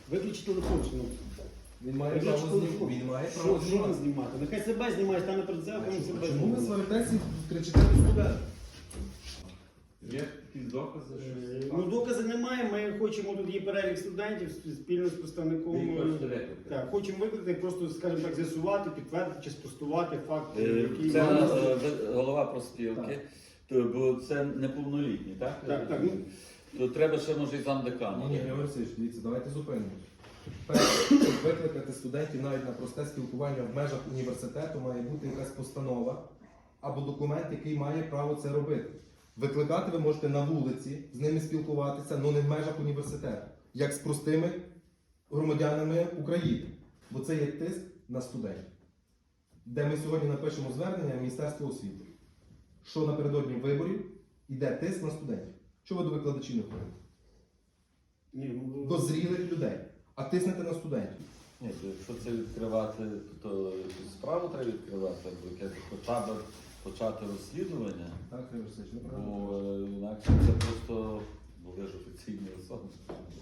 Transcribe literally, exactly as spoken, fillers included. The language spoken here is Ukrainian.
Виключи телефон, що ну. Він має Виключи право телефон. знімати. Він має Що, право що знімати. він знімати? Нехай себе знімає, стане перед А зеркалом і чому- себе Чому ви знімає. сваритеся і кричите на студента? Є якісь докази, Е, що... Ну, доказів немає, ми хочемо, тут є перелік студентів спільно з представником. Ви їх хочете е, викликати? Так, хочемо викликати, просто, скажімо так, з'ясувати, підтвердити чи спростувати факт, Е, який... Це Так, е, ви- голова профспілки, то- бо це неповнолітні, так? так, так, ну, То треба ще може і замдекану. Ні, ні, Георгій Васильович, дивіться, давайте зупинимось. Перше, щоб викликати студентів навіть на просте спілкування в межах університету, має бути якась постанова або документ, який має право це робити. Викликати ви можете на вулиці, з ними спілкуватися, але не в межах університету, як з простими громадянами України. Бо це є тиск на студентів. Де ми сьогодні напишемо звернення в Міністерство освіти, що напередодні виборів йде тиск на студентів. Чого ви до викладачів не ходите? ні, ну, До зрілих людей, а тиснете на студентів. Ні, то якщо це відкривати, то якусь справу треба відкривати, або якесь хоча б почати розслідування, Так, Георгій Васильович, неправильно. бо е, інакше це просто, бо ви ж офіційні особи.